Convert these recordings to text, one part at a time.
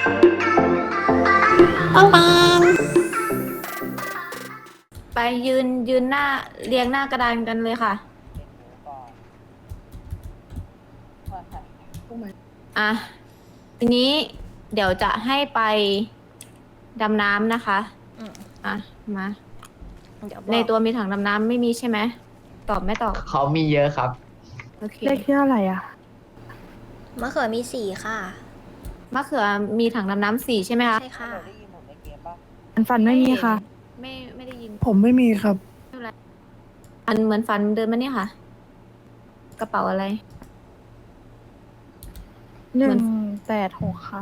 ปังปังไปยืนหน้าเรียงหน้ากระดานกันเลยค่ะอ่ะทีนี้เดี๋ยวจะให้ไปดำน้ำนะคะอ่ะมาในตัวมีถังดำน้ำไม่มีใช่ไหมตอบไม่ตอบเขามีเยอะครับโอเคเลขที่เท่าไหร่อ่ะมะเขือมีสี่ค่ะมะเขือมีถังดำน้ำ4ใช่ไหมคะใช่ค่ะฝันไม่มีค่ะไม่ได้ยินผมไม่มีครับอันเหมือนฝันเดินมาเนี่ยค่ะ กระเป๋าอะไร 186 ค่ะ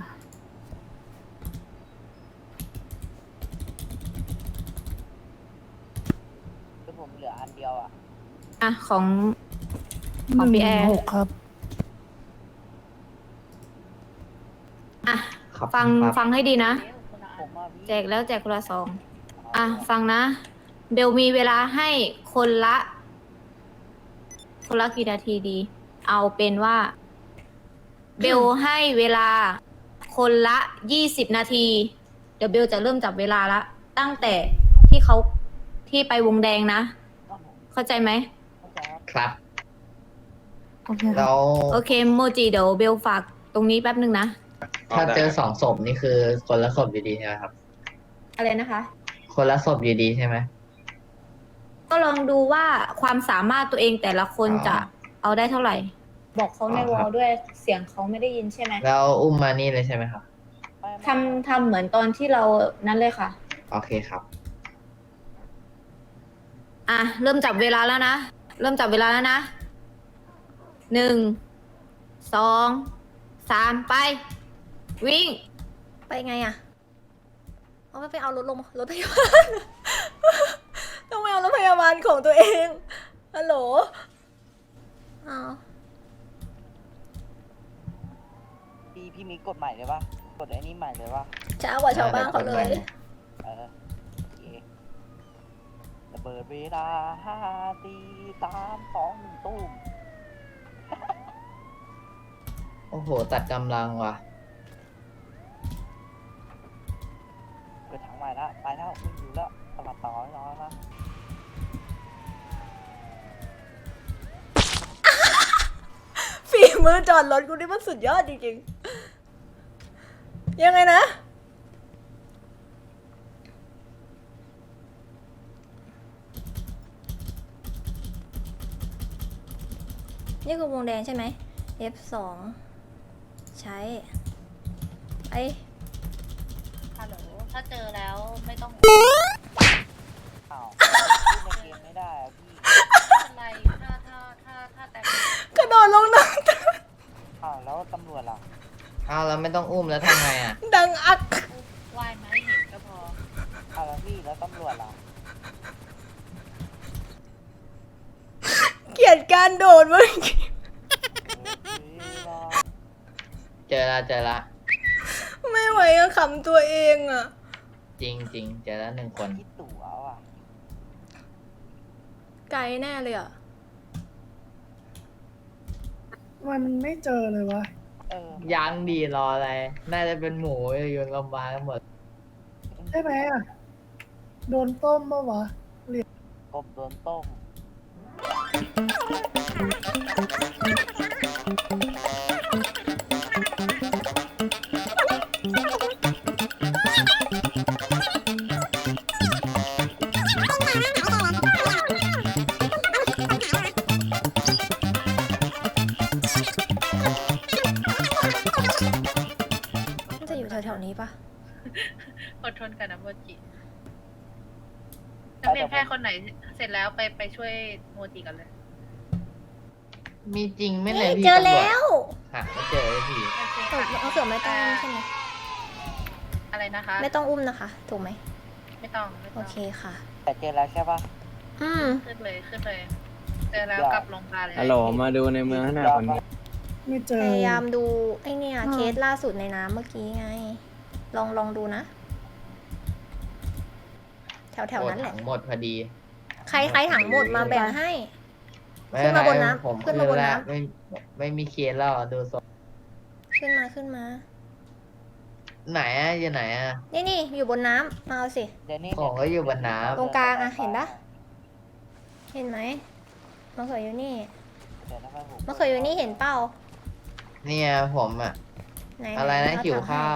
คือผมเหลืออันเดียวอ่ะอ่ะของพี่แอร์ 116 ครับอ่ะครับฟังครับฟังให้ดีนะผมว่าพี่แจกแล้วแจกคนละซองอ่ะ ฟังนะ เบลมีเวลาให้คนละกี่นาทีดี เอาเป็นว่า เบลให้เวลาคนละ20 นาที เดี๋ยวเบลจะเริ่มจับเวลาละ ตั้งแต่ที่ไปวงแดงนะ เข้าใจไหมครับโอเคครับแล้วโอเคโมจิเดี๋ยวเบลฝากตรงนี้แป๊บนึงนะถ้าเจอ2 ศพนี่คือคนละศพอยู่ดีใช่ไหมครับอะไรนะคะคนละศพอยู่ดีใช่ไหมก็ลองดูว่าความสามารถตัวเองแต่ละคนอ๋อจะเอาได้เท่าไหร่ บอกเขาในอ๋อวคอรัลบด้วยเสียงเขาไม่ได้ยินใช่ไหมแล้วอุ้มมานี่เลยใช่ไหมครับทำเหมือนตอนที่เรานั้นเลยค่ะโอเคครับอ่ะ เริ่มจับเวลาแล้วนะ เริ่มจับเวลาแล้วนะ 1 2 3 ไป วิ่งไปไงอะเอาไปเอารถพยาบาล ต้องไปเอารถพยาบาลของตัวเอง ฮัลโหลเอาพี่มีกฎใหม่เลยปะกฎไอ้นี่ใหม่เลยปะช้ากว่าชาวบ้านเขาเลยโอเคระเบิดเวลา5 4 3 2 1ตุ้มโอ้โห ตัดกำลังว่ะเปิดถังใหม่ละไปแล้วไม่อยู่แล้วสลับต่อให้น้อยนะฝีมือจอดรถกูนี่มันสุดยอดจริงๆ ยังไงนะ นี่คือวงแดงใช่ไหม F2 ใช้ไอฮัลโหล ถ้าเจอแล้วไม่ต้องอ้าวพูดในเกมไม่ได้อะพี่อะไร ถ้าแต่กระโดดลงน้อ้าวแล้วตำรวจล่ะอ้าวแล้วไม่ต้องอุ้มแล้วทำไงอ่ะำดังอักว่ายมาให้เห็นก็พออ้าวแล้วพี่แล้วตำรวจล่ะเกลียดการโดดเมื่อกี้เจอละไม่ไหวอะขำตัวเองอะจริง เจอแล้ว1 คนคิดตั๋วว่ะไกลแน่เลยอะมันไม่เจอเลยวะยังดีรออะไร น่าจะเป็นหมูโยนลงมากันหมดใช่ไหมอ่ะ โดนต้มปะวะกบโดนต้มมันจะอยู่แถวๆนี้ปะอดทนกันนะโมจินักเรียนแพทย์คนไหนเสร็จแล้วไปช่วยโมจิกันเลยมีจริงไหม่เลยพี่เจอตำรจแล้วหาไม่เจอเลยพี่โอเคเออค่ะมะเขือไม่ต้องอุ้มใช่ไหมอะไรนะคะไม่ต้องอุ้มนะคะ ถูกไหมไม่ต้องโอเคค่ะแต่เจอแล้วใช่ปะอืมขึ้นเลยเจอแล้วกลับโรงพยาบาลเลยฮัลโหลมาดูในเมืองให้หน่อยคนนี้ไม่เจพอยายามดูไอเนี่ยเคสล่าสุดในน้ำเมื่อกี้ไง ลองดูนะ แถวๆนั้นแหละถังหมดพอดีใครถังหมดมาแบ่งให้ไม่ขึ้นมาบนเป็ไรน้ำผมขึ้นมาบนน้ำแล้วไม่มีเคสแล้วดูศพขึ้นมาไหนอะอยู่ไหนอะนี่อยู่บนน้ำมาเอาสิเดี๋ยวนี้ของก็อยู่บนน้ตรงกลางอะเห็นปะเห็นไหมมะเขืออยู่นี่เดี๋ยวทำไมผมมะเขืออยู่นี่เห็นเปล่าำเนี่ยผมอะไหนอะไรนะเาหิวถังให้ข้าว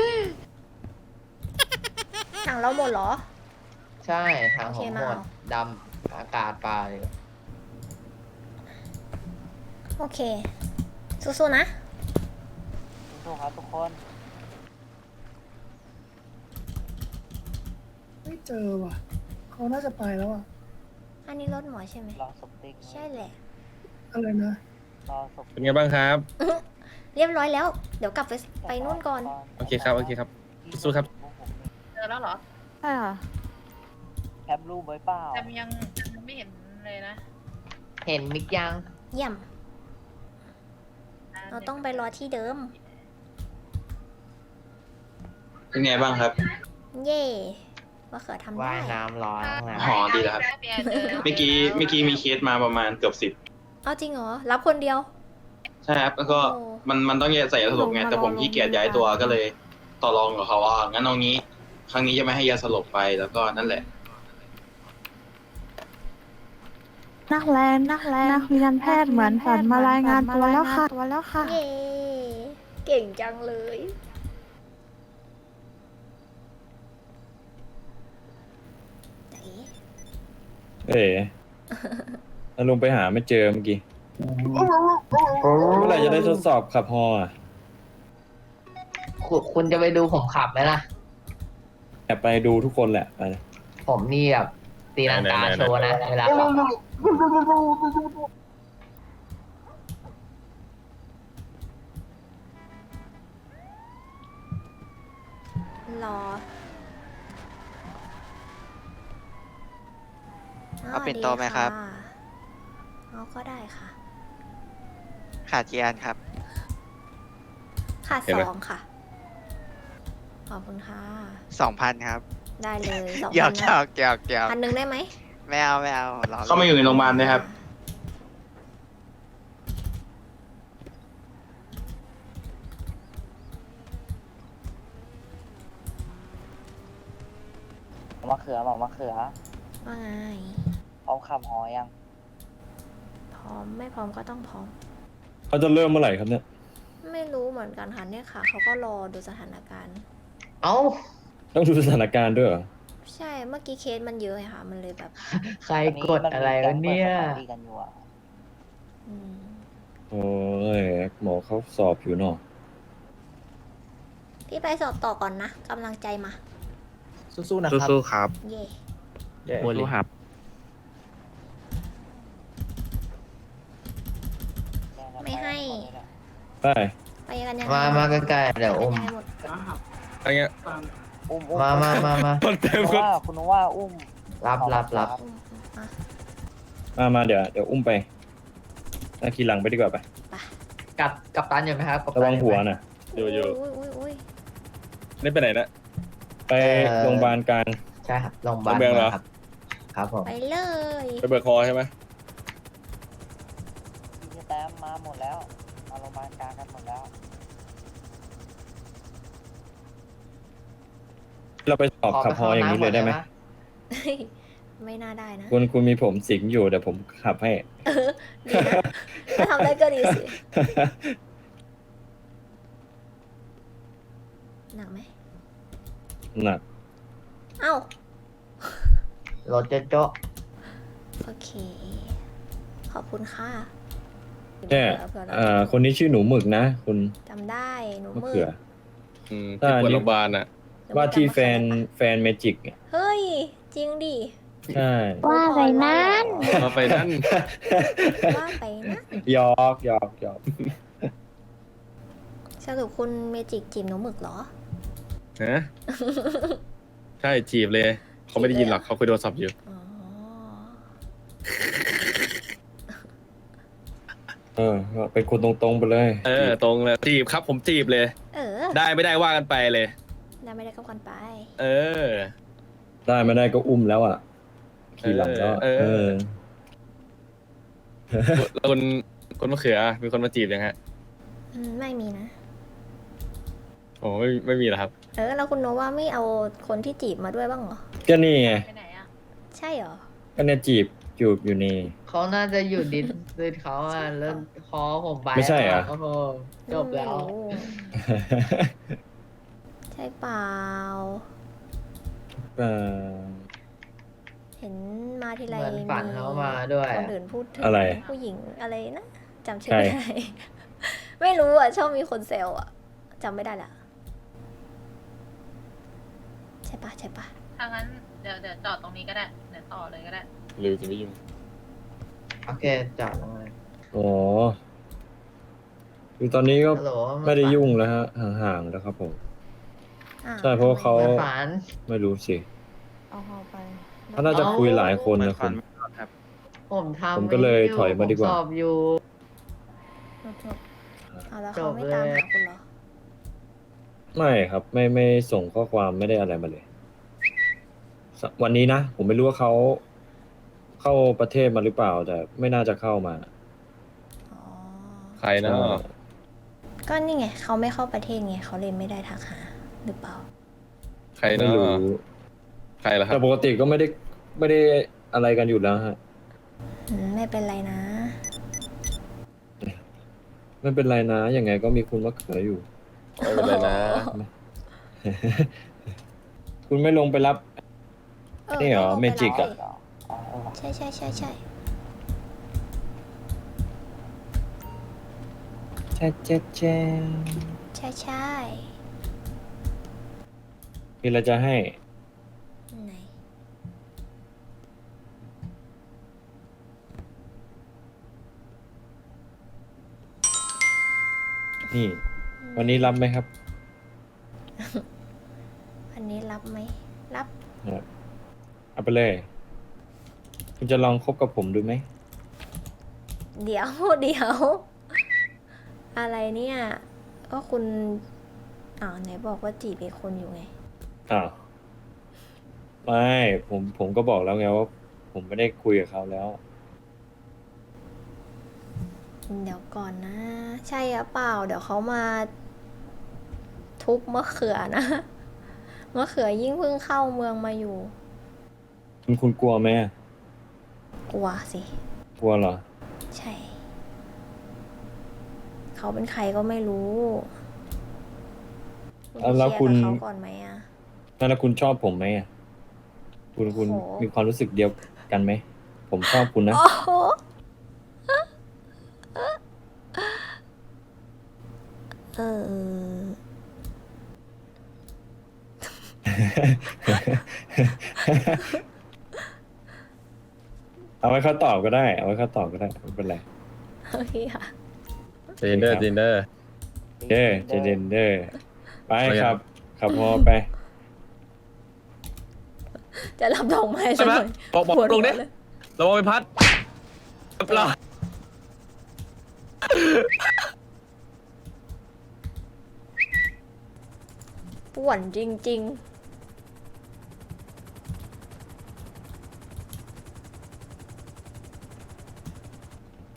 ถังเราหมดเหรอใช่ทางโอผเคมมาหมดเอาดำอากาศเปล่าอยู่โอเคสู้ๆนะสู้ๆครับทุกคนไม่เจอว่ะ เขาน่าจะไปแล้วอ่ะอันนี้รถหมอใช่ไหมรอศพติ๊กใช่แหละอะไรนะรอศพเป็นไงบ้างครับเรียบร้อยแล้ว เดี๋ยวกลับไปนู่นก่อนโอเคครับ โอเคครับ สู้ครับเจอแล้วเหรอใช่ค่ะแคปรูปไว้เปล่าแต่ยังไม่เห็นเลยนะเห็นมิกยังเยี่ยม เราต้องไปรอที่เดิมเป็นไงบ้างครับเย่มะเขือทำว่าได้ยน้ำร้อนนะอ๋อดีแล้วครับ เมื่อกี้มีเคสมาประมาณเกือบ10 เอาจริงเหรอ รับคนเดียวใช่ครับ แล้วก็โอ้มันต้องใส่ยาสลบไง แต่ผมขี้เกียจย้ายตัวก็เลยต่อรองกับเขาว่างั้นเอางี้ ครั้งนี้จะไม่ให้ยาสลบไปแล้วก็นั่นแหละนักเรียนแพทย์เหมือนฝันมารายงานตัวแล้วค่ะเย่เก่งจังเลย ไหนเอ๋แล้วลุงไปหาไม่เจอเมื่อกี้ เมื่อไหร่จะได้ทดสอบขับฮออ่ะคุณจะไปดูผมขับไหมล่ะแอบไปดูทุกคนแหละไปผมนี่แบบตีลังกาไหนๆๆโชว์นะเวลาขับรอเอาปิ่นโตไหมครับเอาก็ได้ค่ะขาดกี่อันครับค่ะเห็นไหม 2 ค่ะ ขอบคุณค่ะ 2,000 ครับได้เลย2 หยอกนะหยอกหยอกหยอก 1,000ได้ไหมไม่เอารอเข้ามาอยู่ในโรงพยาบาลด้วยครับมะเขือบอกมะเขือว่าไงพร้อมขับหอยังพร้อมไม่พร้อมก็ต้องพร้อมเขาจะเริ่มเมื่อไหร่ครับเนี่ยไม่รู้เหมือนกันค่ะเนี่ยค่ะ เขาก็รอดูสถานการณ์เอ้าต้องดูสถานการณ์ด้วยเหรอใช่ เมื่อกี้เคสมันเยอะไงค่ะ มันเลยแบบใครกดอะไรวะเนี่ยมัมีการปิดสถานีกันอยู่อะอืมโอ้ยหมอเขาสอบอยู่เนาะพี่ไปสอบต่อก่อนนะกำลังใจมาสู้ๆนะครับสู้ๆครับเย่สู้ครับไม่ให้ไปไปกันยังไงมาใกล้ๆเดี๋ยวอุ้มไปกันยังไงหมดอะไรเงี้ยอุ้มมาคนเต็มคุณว่าอุ้มรับอุ้มอ่ะมาเดี๋ยวอุ้มไปขี่หลังไปดีกว่าไปกับตันอยู่ไหมครับกัปตัระนวังอยู่หัวไหมน่ะอยู่อุ้ยนี่ไปไหนนะไปโรงพยาบาลกลางใช่ครับโรงพยาบาลโรงพยาบาลเหรอครับ ครับผมไปเลยไปเบิกคอใช่ไหมพี่แต้มมาหมดแล้ว มาโรงพยาบาลกลางกันหมดแล้วเราไปสอบขับฮออย่างนี้เลยได้ไหมไม่น่าได้นะคุณมีผมสิงอยู่เดี๋ยวผมขับให้ดีนะถ้าทำได้ก็ดีสิ หนักไหมหนักเอ้ารถโจ๊ะโอเค ขอบคุณค่ะแค่เผื่อเราคนนี้ชื่อหนูหมึกนะ คุณจำได้หนูมะมืเขือที่ปวดโรงพยาบาลอ่ะว่าที่แฟนเมจิกเนี่ยเฮ้ย จริงดิใช่ว่าไปนั้นเอาไปนั่นว่าไปนะหยอกสรุปคุณเมจิกจีบหนูหมึกเหรอฮะ ใช่จีบเลย เขาไม่ได้ยินหรอกเขาคุยโทรศัพท์อยู่อ๋อเป็นคนตรงๆไปเลยตรงเลยจีบครับผมจีบเลยเออได้ไม่ได้ว่ากันไปเลยได้ไม่ได้ก็กันไปเออได้ไม่ได้ก็อุ้มแล้วอ่ะขี่หลังก็แล้วคนมะเขือมีคนมาจีบยังฮะไม่มีนะโหโอ้ไม่มีแล้วครับแล้วคุณโนว่าไม่เอาคนที่จีบมาด้วยบ้างเหรอก็นี่ไงไปไหนอ่ะใช่เหรอก็เนี่ยจูบอยู่นี่เขาน่าจะอยู่ดิสดิสเขาอ่ะแล้วคอผมไปไม่ใช่เหรอโอ้โหจบแล้วไม่รู้ ใช่เปล่าเอ่อเห็นมาทีไรเหมือนฝันเขามาด้วยคนอื่นพูดถึงอะไรผู้หญิงอะไรนะจำชื่อใครไม่ได้ ไม่รู้อ่ะ ชอบมีคนเซลอ่ะจำไม่ได้ละใช่ปะใช่ปะถ้างั้นเดี๋ยวจอดตรงนี้ก็ได้ เดี๋ยวต่อเลยก็ได้หรือจะไม่ยุ่งโอเคจอดลงเลยอ๋อคือตอนนี้ก็ฮัลโหลไม่ได้ยุ่งแล้วฮะห่างๆแล้วครับผมอ้าวใช่เพราะว่าเขาเหมือนฝันไม่รู้สิเอาพอไปเขาน่าจะคุยหลายคนนะคุณผมทำผมก็เลยถอยมาดีกว่าผสอบอยู่เอาแล้วเขาไม่ตามจบเลยหาคุณเหรอไม่ครับไม่ส่งข้อความไม่ได้อะไรมาเลย วันนี้นะ ผมไม่รู้ว่าเขาเข้าประเทศมาหรือเปล่า แต่ไม่น่าจะเข้ามาอ๋อใครเนาะก็นี่ไงเขาไม่เข้าประเทศไงเขาเลยไม่ได้ทักหาหรือเปล่าใครไม่เนาะรู้ใครล่ะครัแต่บปกติก็ไม่ได้อะไรกันอยู่แล้วฮะไม่เป็นไรนะไม่เป็นไรนะยังไงก็มีคุณมะเขืออยู่ไม่เป็นไรนะคุณไม่ลงไปรับ นี่เหรอต้งลงไปเมจิกอะใช่ใช่ใช่ใช่แช่แช่แช่ใช่ใช่มีอะไรจะให้ไหนนี่ วันนี้รับไหมครับอันนี้รับไหมรับเอาไปเลย คุณจะลองคบกับผมดูไหมเดี๋ยว เดี๋ยว อะไรเนี่ย ก็คุณไหนบอกว่าจีบอีกคนอยู่ไงอ้าวไม่ผมก็บอกแล้วไงว่า ผมไม่ได้คุยกับเขาแล้วเดี๋ยวก่อนนะ ใช่หรือเปล่า เดี๋ยวเขามา ทุบมะเขือนะ มะเขือยิ่งเพิ่งเข้าเมืองมาอยู่คุณกลัวไหมอะกลัวสิกลัวเหรอใช่ เขาเป็นใครก็ไม่รู้แล้วคุณเคลียร์กับเขาก่อนไหมอะแล้วคุณชอบผมไหมอะคุณโอ้โหมีความรู้สึกเดียวกันไหม ผมชอบคุณนะโอ้โหเออเอาไว้เขาตอบก็ได้ เอาไว้เขาตอบก็ได้ไม่เป็นไรโอเคค่ะเจนเดอร์เจนเดอร์เด้อเจเดนเด้อไปครับ ขับพอไปจะรับดอกไม้ใช่ไหมสักน่อยบอกปวดลงดิหัวเลยระวังไปพัดรอป่วนจริงไป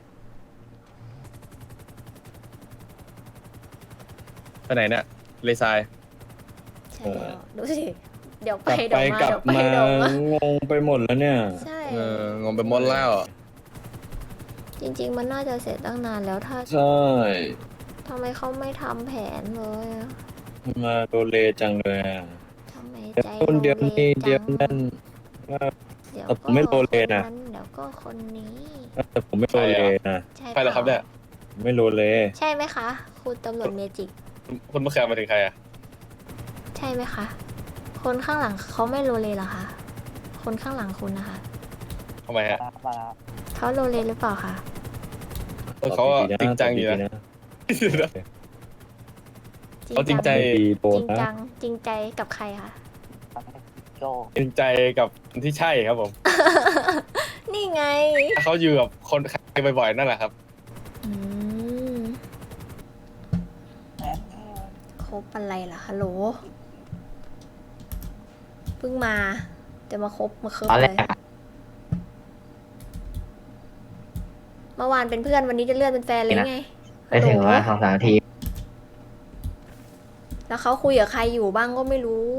ไปไหนเนี่ยเลซายๆ ใช่แล้วดูสิ เดี๋ยวกไปลับเดี๋ไปยวมากลับเดี๋ยวไปมาเดี๋ยวมางงไปหมดแล้วเนี่ยใช่งงไปหมดแล้วจริง ๆ มันน่าจะเสร็จตั้งนานแล้วถ้าใช่ทำไมเขาไม่ทำแผนเลยอะมาโดเลจังเลยอะทำไมเดี๋ยวใจคนเดียวโลเลนี่เดียวจังนั่นว่าเดี๋ยวแต่ผมไม่โลเลนะก็คเดี๋ยวก็คนนี้แต่ผมไม่โดเลนะใช่ใครเหรอครับเนี่ยผมไม่โดเลใช่ไหมคะ คุณตำรวจเมจิกคุณมะเขือมาถึงใครอ่ะใช่ไหมคะ คนข้างหลังเขาไม่โลเลเหรอคะ คนข้างหลังคุณนะคะทำไมฮะมาแล้วเขาโลเลหรือเปล่าคะเขาอะจริงจังอยู่นะ เขาจริงใจดีโดจนริงนะจังจริงใจกับใครคะโจจริงใจกับคนที่ใช่ครับผมนี่ไงถ้าเขาอยู่กับคนใครบ่อยๆนั่นแหละครับอืมคบอะไรล่ะฮัลโหลเพิ่งมาจะมาคบมาเคิบตอนแรเลยกเมื่อวานเป็นเพื่อนวันนี้จะเลื่อนเป็นแฟนเลยไงไปถึงว่า2-3 นาทีแล้วเขาคุยกับใครอยู่บ้างก็ไม่รู้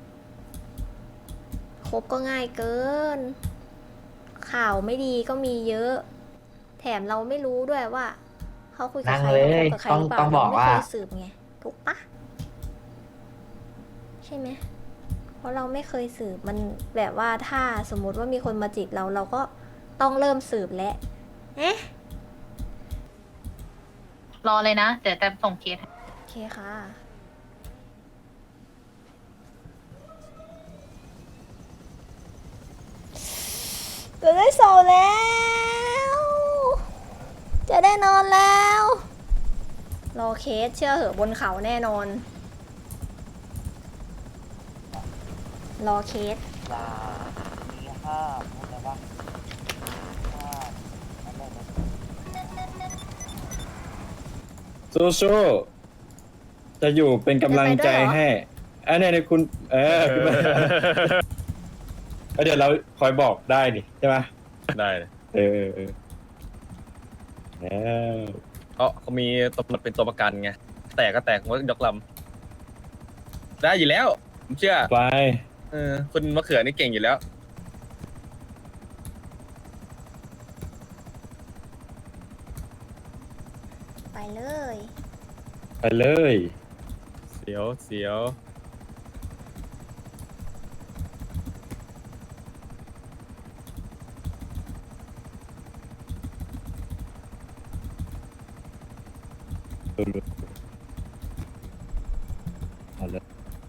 คบก็ง่ายเกิน ข่าวไม่ดีก็มีเยอะ แถมเราไม่รู้ด้วยว่าเขาคุยกับใครนั่งเลยเขาคบกับใครหรือเปล่าต้องบอกเราไม่เคยว่าสืบไงถูกปะใช่ไหมเพราะเราไม่เคยสืบมันแบบว่าถ้าสมมุติว่ามีคนมาจีบเราก็ต้องเริ่มสืบแล้วเอ๊ะรอเลยนะ เดี๋ยวจะส่งเคสให้โอเคค่ะจะได้สอบแล้ว จะได้นอนแล้ว รอเคสเชื่อเหอะบนเขาแน่นอน รอเคสลามีห้าเข้าใจปะห้าอะไรนะสู้ๆจะอยู่เป็นกำลังใจให้อันนี้คุณ ขึ้นมาเดี๋ยวเราคอยบอกได้ดิใช่ไหมได้เลยแล้วเขามีตำรวจเป็นตัวประกันไง แตกก็แตกว่ายกลำได้อยู่แล้วผมเชื่อไปคุณมะเขือนี่เก่งอยู่แล้วไปเลยไปเลยเสียวเอาเลย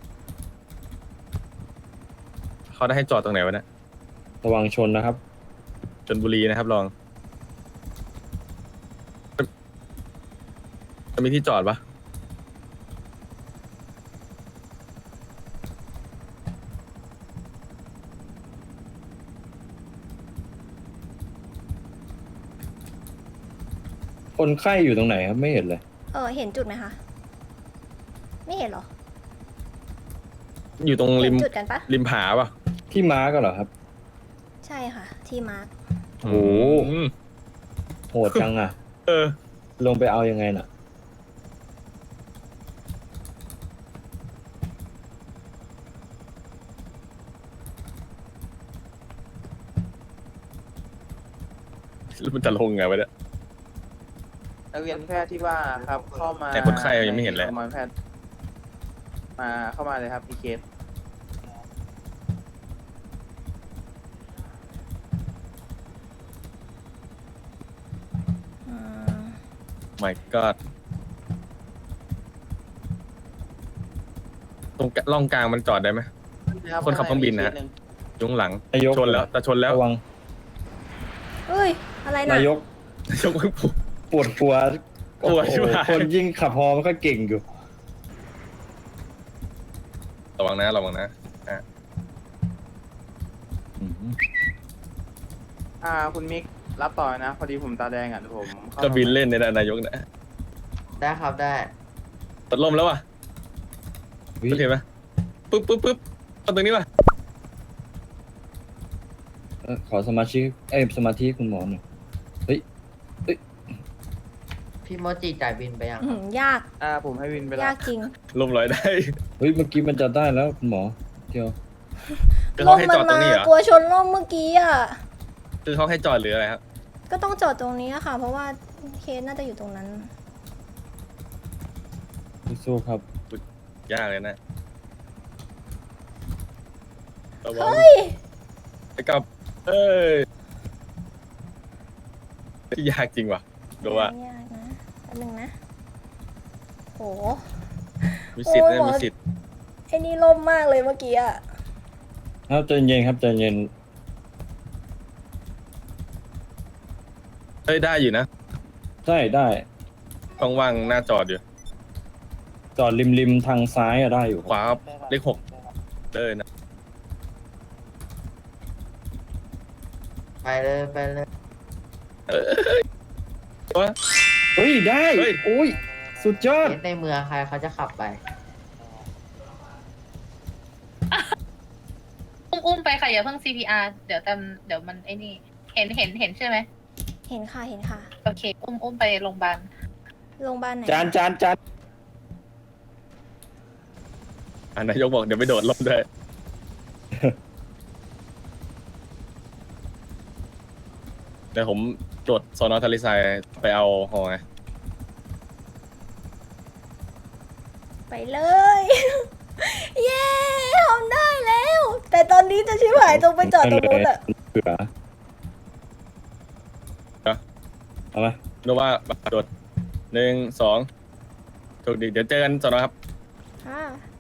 เขาได้ให้จอดตรงไหนวะเนี่ยระวังชนนะครับชลบุรีนะครับลองจะมีที่จอดปะคนไข้อยู่ตรงไหนครับไม่เห็นเลยเห็นจุดไหมคะ ไม่เห็นเหรออยู่ตรงริเห็มนจุดกันปะริมผาปะที่ม้าก็เหรอครับใช่ค่ะ ที่มาร์คโอ้โหอืมโหดจังอ่ะเออลงไปเอายังไงน่ะแล้วมันจะลงไงวะเนี่ยนักเรียนแพทย์ที่ว่าครับเข้ามาแต่คนไข้ยังไม่เห็นเลยโรงพยาบาลแพทย์มาเข้ามาเลยครับมีเคสอืม my god ตรงร่องกลางมันจอดได้ไหม คนขับเครื่องบินนะฮะ ยุงหลังนายกชนแล้วแต่ชนแล้วระวังเอ้ย อะไรนะนายกยกมือปุ๊บปวดหัวปวดโอ้ชิบโหหายคนยิ่งขับฮอไม่ค่อยเก่งอยู่ระวังนะระวังนะคุณมิกรับต่อนะ พอดีผมตาแดงอ่ะเดี๋ยวผมเข้าก็บินเล่นในนายกนะได้ครับได้ตดลมแล้วว่ะอุ๊ยเห็นไหมปุ๊บเอาตรงนี้ว่ะขอสมาชิกสมาธิคุณหมอหน่อยพี่โมจิจ่ายบินไปยังยากผมให้วินไปแล้ยาว กจริงลมลอยได้เฮ้ยเมื่อกี้มันจะได้แล้วคุณหมอเดียวคือเขาให้จอดตรงนี้เหรอกลัวชนร่มเมื่อกี้อ่ะคือเขาให้จอดหรืออะไรครับก็ต้องจอดตรงนี้อะค่ะ เพราะว่าเคสน่าจะอยู่ตรงนั้นสู้ๆครับยากเลยนะระวังเฮ้ยไปกลับ เอ้ยยากจริงว่ะดูว่ายากนะแป๊บนึงนะ โหมีสิทธิ์โอ้ยนะหมอมีสิทธิ์ไอ้นี่ล่มมากเลยเมื่อกี้อ่ะครับใจเย็นครับใจเย็นเอ้ยได้อยู่นะได้ได้ต้องว่างหน้าจอดอยู่จอดริมทางซ้ายอะได้อยู่ขวาครับเลข 6เลยนะไปเลยไปเลยเฮ้ยได้เฮ้ยโอ้ยสุดยอดเคสในเมืองใครเขาจะขับไปอุ้มไปค่ะอย่าเพิ่ง CPR เดี๋ยวมันไอ้นี่ เห็นใช่ไหมเห็นค่ะ เห็นค่ะโอเค อุ้มไปโรงพยาบาลโรงพยาบาลไหนจานนายกบอกเดี๋ยวไปโดดล่มด้วย เดี๋ยวผมโดดสอนอทะเลทรายไปเอาหอไงไปเลย เย้ทำได้แล้ว แต่ตอนนี้จะชิบหายตรงไปจอดตรงนู้นอะเผื่อเอาไหมดูว่าโดด1 2ถูกดีเดี๋ยวเจอกันสอนอครับค่ะ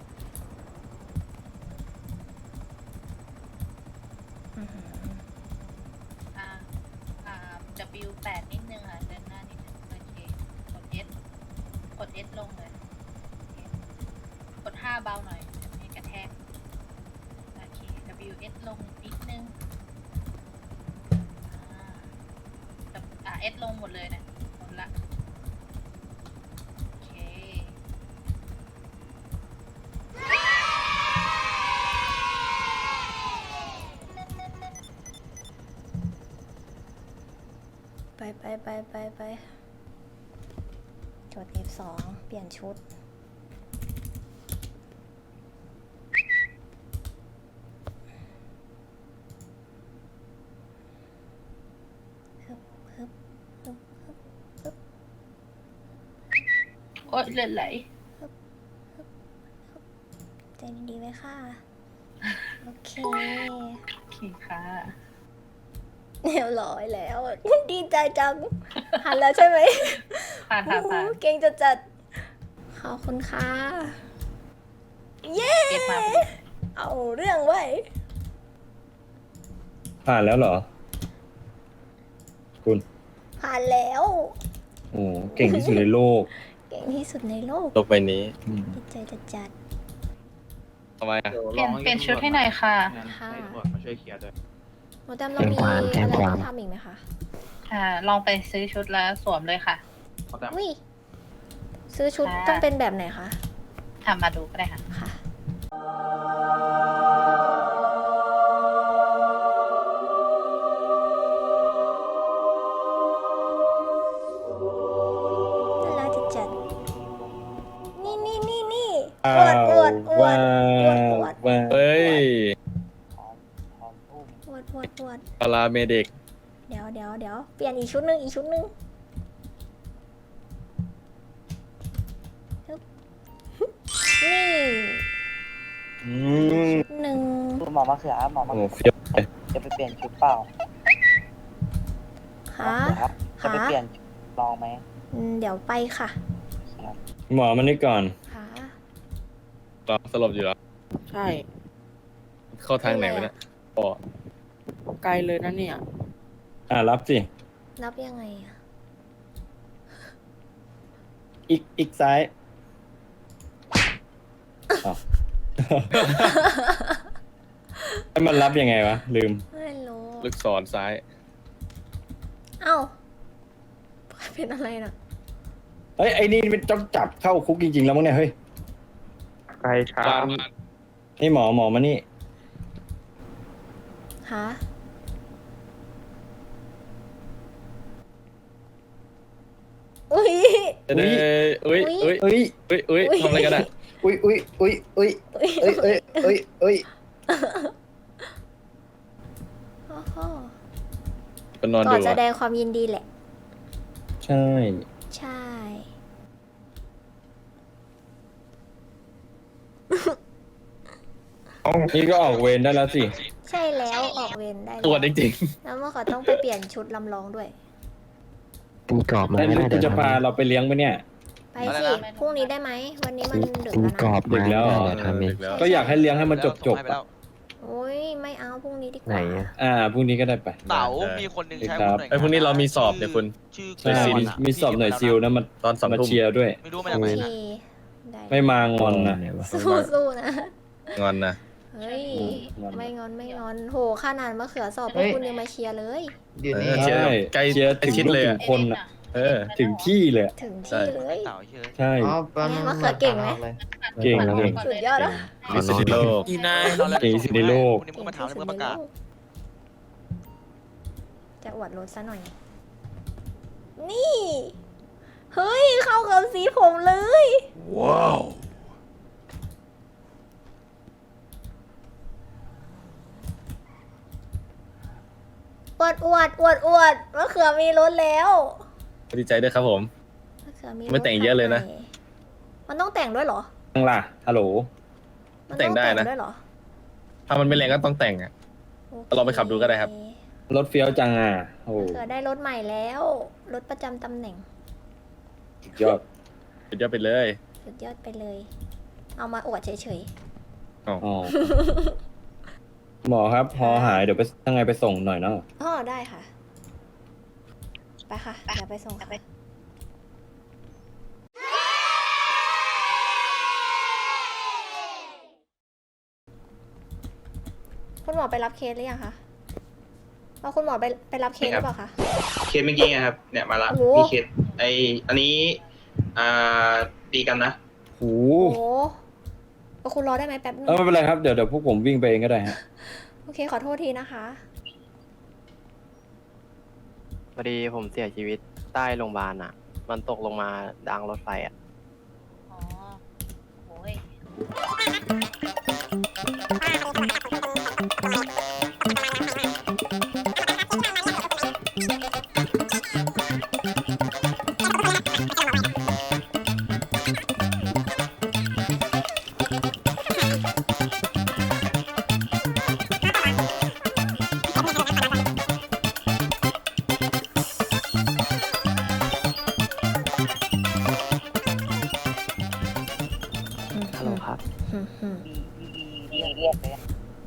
อื้อหืออ่าW8 นิดนึงค่ะเดินหน้านิดนึงโอเคกด S กด S ลงเลยโอเคกด5เบาหน่อยให้กระแทกโอเค WS ลงนิดนึงS ลงหมดเลยนะหมดละโอเคไปกด F2 เปลี่ยนชุดโอ๊ยเลือดไหลใจดีๆไว้ค่ะ โอเคโอเคค่ะเรียบร้อยแล้ว ดีใจจัง หันแล้วใช่ไหมผ่านโอ้โหเก่งจัดขอบคุณค่ะ เย้เก็บมาเอาเรื่องไว้ยผ่านแล้วเหรอ คุณผ่านแล้วโอ้เก่งที่สุดในโลกเก่งที่สุดในโลกโลกใบนี้ดีใจจัดทำไมอ่ะเปลี่ยนชุดให้หน่อยค่ะงั้นให้ตำรวจมาช่วยเคลียร์ด้วยๆโมแตมเรามีอะไรต้องทำอีกไหมคะลองไปซื้อชุดแล้วสวมเลยค่ะเขาแต่อุ้ย ซื้อชุดค่ะต้องเป็นแบบไหนคะมาดูก็ได้ค่ะค่ะ น่ารักจัดๆนี่อวดว้าวเฮ้ยพร้อมอุ้มอวดปาราเมดิกเดี๋ยวเปลี่ยนอีกชุดหนึ่งฮึบนี่อืมชุดหนึ่งคุณหมอมาเขือหมอมาโอ้เขือเฟี้ยวจะไปเปลี่ยนชุดเปล่าค่ะครับจะไปเปลี่ยนชุดลองไหมเดี๋ยวไปค่ะครับหมอมันนี่ก่อนค่ะรอสลบอยู่แล้วใช่เข้าทางไหนวะเนี่ยปอไกลเลยนะเนี่ยรับสิรับยังไงอะอีกซ้ายอ้าว แล้วมันรับยังไงวะ ลืมไม่รู้ลูกศรซ้ายเอ้าเป็นอะไรน่ะเฮ้ย ไอ้นี่มันต้องจับเข้าคุกจริงๆแล้วมั้งเนี่ย เฮ้ยใครช้านี่หมอมานี่ฮะ อุ้ยเอ้ยเอ้ยเอ้ยเอ้ยเอ้ยเอ้ยทำอะไรกันอ่ะอุ้ยเอ้ยเอ้ยโอ้โหก็นอนก่ดูอนแสอะดงความยินดีแหละใช่ใช่นี่ก็ออกเวรได้แล้วสิใช่แล้วออกเวรได้ตัวแล้วจริงแล้วเมื่อเขาต้องไปเปลี่ยนชุดลำลองด้วยมีกรอบมาแล้วไม่ได้คุณจะพาเราไปเลี้ยงไหมเนี่ยไปสิพรุ่งนี้ได้ไหม วันนี้มันดึกมีแล้วกรอนะบมาไม่ได้ๆเลยทำเองแล้วก็อยากให้เลี้ยงให้มันจบอะโอ้ยไม่เอาพรุ่งนี้ดีกไหนว่าอะพรุ่งนี้ก็ได้ไปเต๋ามีคนหนึ่งใช้ครับหน่วยไอ้ยพรุ่งนี้เรามีสอบเนี่ยคุณชื่อใช่ซิลมีสอบหน่วยซิลนะมันตอน2 มาทุ่มเชียร์ด้วยไม่รู้มาโอจากไหนเคนะได้ไม่มางอนนะสู้ๆนะงอนนะเฮ้ยงอนไม่งอน โหขนาดมะเขือสอบพวกคุณยังมาเชียร์เลยอยู่นี่เชียร์ใช่ใกล้เชียร์ถึงชิดเลยถึอะงคนอะเออถึงที่เลยอะถึงที่เลยเต๋าเชื่อใช่อ๋อแป๊บนึงมะเขือเก่งไหมเก่งเก่งสุดยอดแล้วที่สุดในโลกอีนายเก่งที่สุดในโลกวันนี้มึงมาถามเรื่องประกาศจะอวดรถซะหน่อย นี่ เฮ้ย เข้ากับสีผมเลย ว้าววดมะเขือมีรถแล้วดีใจด้วยครับผมมะเขือมีรถไม่แต่งเยอะเลยนะใหม่มันต้องแต่งด้วยเหรอตั้งล่ะฮัลโหลมันแต่งได้นะด้วยเหรอถ้ามันไม่แรงก็ต้องแต่งอ่ะโอเคลองไปขับดูก็ได้ครับรถเฟี้ยวจังอ่ะโอ้โหมะเขือได้รถใหม่แล้ว รถประจำตำแหน่งสุดยอดสุดยอดไปเลยสุดยอดไปเลย เอามาอวดเฉยอ๋อ หมอครับพอหายเดี๋ยวไปยังไงไปส่งหน่อยเนาะๆอ๋อได้ค่ะ ไปค่ะ เดี๋ยวไปส่งค่ะคุณหมอไปรับเคสหรือยังคะเอาคุณหมอไปรับเคสหรือเปล่าคะเคสเมื่อกี้ไงครับ เนี่ยมาละโอ้โหมีเคสอันนี้ตีกันนะโหโอ้โหเอาคุณรอได้ไหมแป๊บนึงไม่เป็นไรครับเดี๋ยวพวกผมวิ่งไปเองก็ได้ฮะโอเคขอโทษทีนะคะพอดีผมเสียชีวิตใต้โรงพยาบาลอ่ะ มันตกลงมาดังรถไฟอ่ะอ๋อโอ้ยฮัลโหลครับเรียกเลย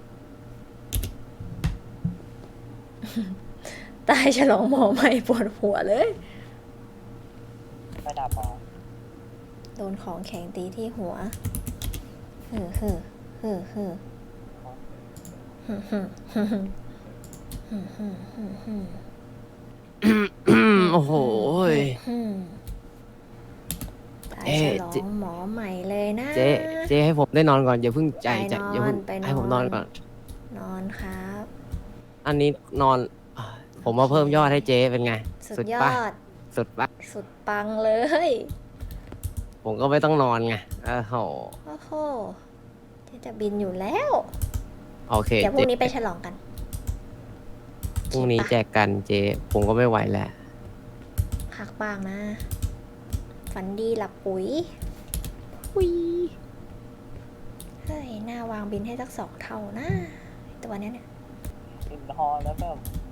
ตายฉลองหมอใหม่ปวดหัวเลยไม่ดับหรอโดนของแข็งตีที่หัวโอ้โหยตายเอ๊ะฉลอเจ๊งหมอใหม่เลยนะเจ๊ให้ผมได้นอนก่อนอย่าเพิ่งใจไปนอนอย่าเพิ่งไปนอนให้ผมนอนก่อนนอนครับอันนี้นอน ผมมาเพิ่มยอดให้เจ๊เป็นไงสุดยอปะดสุดปะสุดปังเลยผมก็ไม่ต้องนอนไงโอ้โหโอ้โหเจ๊จะบินอยู่แล้วโอเคเดี๋ยวพรุ่งนี้ไปฉลองกันพรุ่งนี้แจกกันเจ๊ผมก็ไม่ไหวแล้วพักบ้างนะ ฝันดีหลับปุ๋ยปุ๋ยเฮ้ย หน้าวางบินให้สัก2 เท่านะ ตัวเนี้ยเนี่ยอินฮอลแล้วแบบ